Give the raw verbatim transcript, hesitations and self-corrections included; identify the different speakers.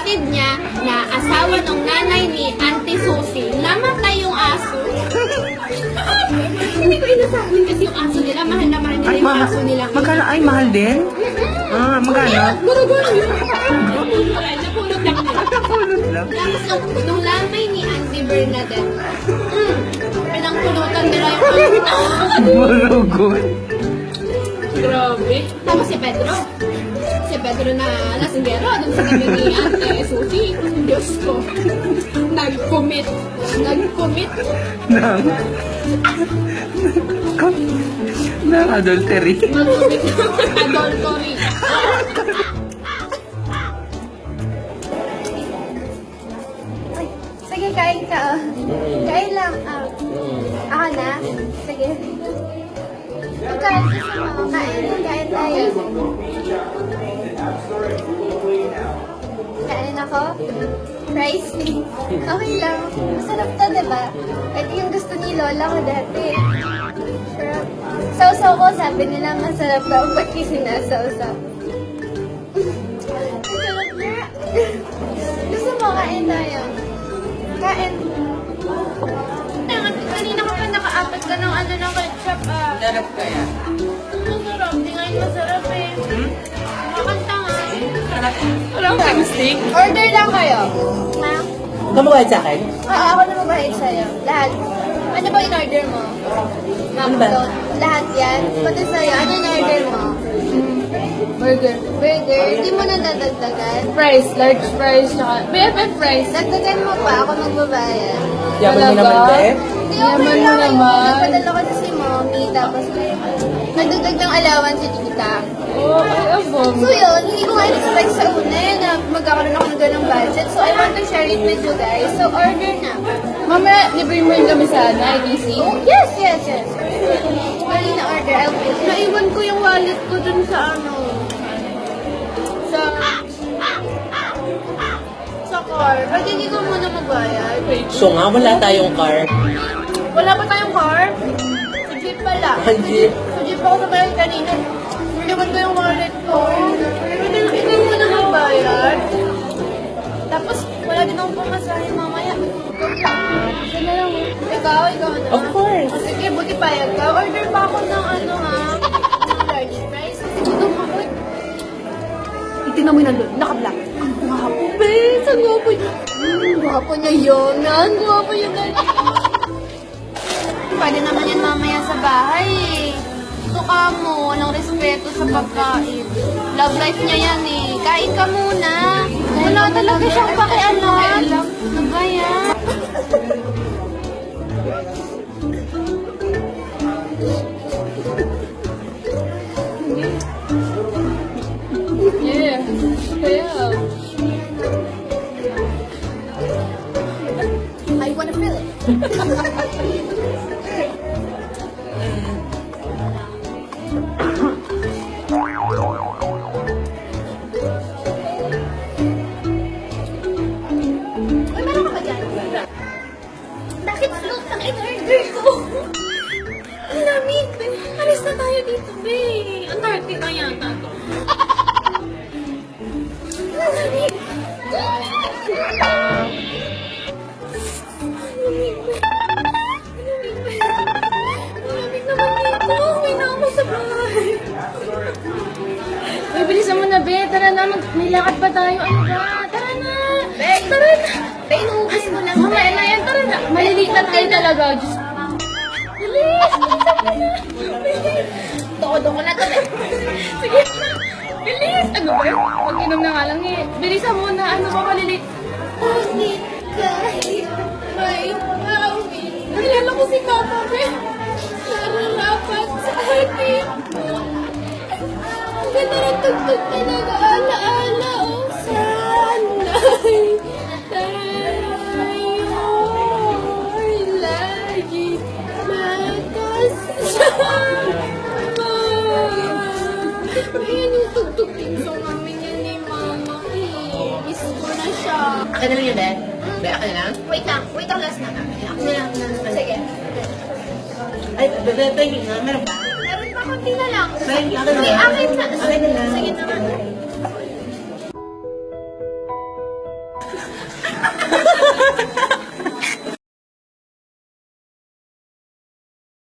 Speaker 1: kapatid niya na asawa ng nanay ni Auntie Susie, namatay yung aso. Hindi ko inasahin kasi yung aso nila, mahal na mahal nila
Speaker 2: Ay,
Speaker 1: yung
Speaker 2: mahal.
Speaker 1: aso nila.
Speaker 2: Magkano? Ay, mahal din? Ah, magkano?
Speaker 1: Guro-guro yun. Napulog lang nila.
Speaker 2: Napulot lang.
Speaker 1: Tapos nung, nung lamay ni Auntie Bernadette, mm, pinangpulutan nila yung aso.
Speaker 2: Marugot.
Speaker 1: Grabe. Tapos si Pedro. Si Pedro na lasinggero. Doon sa kami ni Ate Susie. Diyos ko. Nag-commit. Nag-commit.
Speaker 2: Nang... Nang adultery.
Speaker 1: Nag-commit. Adultery.
Speaker 3: Ay, sige, kain ka. Oh. Kain lang. Ah, ako na? Sige. Kain kasi mo. Kain. Kain tayo. Kain ako? Rice. Okay lang. Masarap to, diba? Ito yung gusto ni Lola ko dati. Sarap. Sausaw ko, sabi nila masarap daw. Ba't kasi sinasawsaw? Masarap na. Gusto mo, kain tayo. Kain. Kanina ka pa nakaapat ka ng ano ng ketchup ah.
Speaker 2: Sarap kaya?
Speaker 3: Masarap. Di ngayon masarap eh.
Speaker 2: Hmm?
Speaker 3: Makanta nga.
Speaker 2: Sarap.
Speaker 1: Walang stick.
Speaker 3: Order lang kayo. Ha?
Speaker 2: Kamawad sa akin?
Speaker 3: Oo, ako na mabahit sa'yo. Lahat. Ano ba in-order mo?
Speaker 2: Ano ba?
Speaker 3: McDo. Lahat yan. Pati sa'yo, ano in-order mo?
Speaker 1: Burger.
Speaker 3: Burger. Hindi mo na dadagdagan.
Speaker 1: Fries. Large fries. Tsaka B F F fries.
Speaker 3: Dagdagan mo pa. Ako magbabayad.
Speaker 2: Yaman mo naman ba eh?
Speaker 3: Hindi,
Speaker 1: Yaman
Speaker 3: okay
Speaker 1: mo
Speaker 3: lang.
Speaker 1: naman.
Speaker 3: Nagpadala ko na si mommy. Tapos, nagdagdag ng alawan si tita.
Speaker 1: Oh, ay, abong.
Speaker 3: So yun, hindi ko nga in-expect sa una eh, na magkakaroon ako ng ganong budget. So I want to share it with you guys. So order na.
Speaker 1: Mamaya, libre mo rin kami sa I D C.
Speaker 3: Oh, yes, yes, yes. Mali na order, I'll pay.
Speaker 1: Naiwan ko yung wallet ko dun sa ano. Sa... Sa car. Pwede hindi ko muna magbayad.
Speaker 2: So nga, wala tayong car.
Speaker 1: Wala pa tayong car? Sa jeep pala.
Speaker 2: Ang jeep.
Speaker 1: Sa jeep ako naman kanina. Naiwan ko yung wallet ko. Pwede na ikaw muna magbayad. Tapos, wala din akong pamasahe mamaya. Isa na lang. Ikaw, ikaw na.
Speaker 2: Of course.
Speaker 1: O, sige, buti payag ka. Order pa ako ng ano ha. Ng large fries. Kasi gutom ako. Itingnan mo yung nandun. Naka-black. Ang gwapo, bes. Ang gwapo niya. Ang gwapo niya yun. Ang gwapo yun.
Speaker 3: Pwede naman yan mamaya sa bahay eh. Ito ka mo, walang respeto sa pagkain. Love life niya yan eh. Kain ka muna. Wala talaga siyang pakialam. Ano ba yan?
Speaker 1: Yeah. Yeah.
Speaker 3: I wanna feel it. Uy, meron ka ba dyan? Bakit float ang in-order ko?
Speaker 1: Ang lamig. Alis na tayo dito, be. Antarctica yata to.
Speaker 3: Ang lamig.
Speaker 1: Malamig naman dito. Uwi na ako sa bahay. Uy, bilisan mo na, be. Tara na. Mag may lakad pa tayo. Ano ba? Tara na.
Speaker 3: Be,
Speaker 1: Tara na.
Speaker 3: be, inuubos mo lang.
Speaker 1: Mamaya na yan. Tara na. Maliliit na tayo talaga. Diyos. Bilis. Bilisan mo na. Bilis.
Speaker 3: Todo ko na to, be.
Speaker 1: Sige na. Bilis. Ano ba? Pag-inom na nga lang eh. Bilisan mo na. Ano ba maliliit?
Speaker 3: Ngunit kahit may awit,
Speaker 1: Nalala ko si Papa, be.
Speaker 3: nararapat sa atin. Ang ganda ng tugtog na nag-aala-ala, oh, sana'y tayo ay lagi magkasama. Ayan yung tugtog-ting song namin yan ni Mama. Eh, miss ko na siya.
Speaker 2: Akin na lang yun, eh. Be, akin na lang.
Speaker 3: Wait lang, wait lang, last na.
Speaker 2: Akin na lang.
Speaker 3: Sige.
Speaker 2: Ay, bebe, bebe, nga, meron ba?
Speaker 3: Meron pa, konti na lang.
Speaker 2: Akin na
Speaker 3: Sige,
Speaker 2: lang.
Speaker 3: akin na.
Speaker 2: Akin na lang.
Speaker 3: Sige na nga.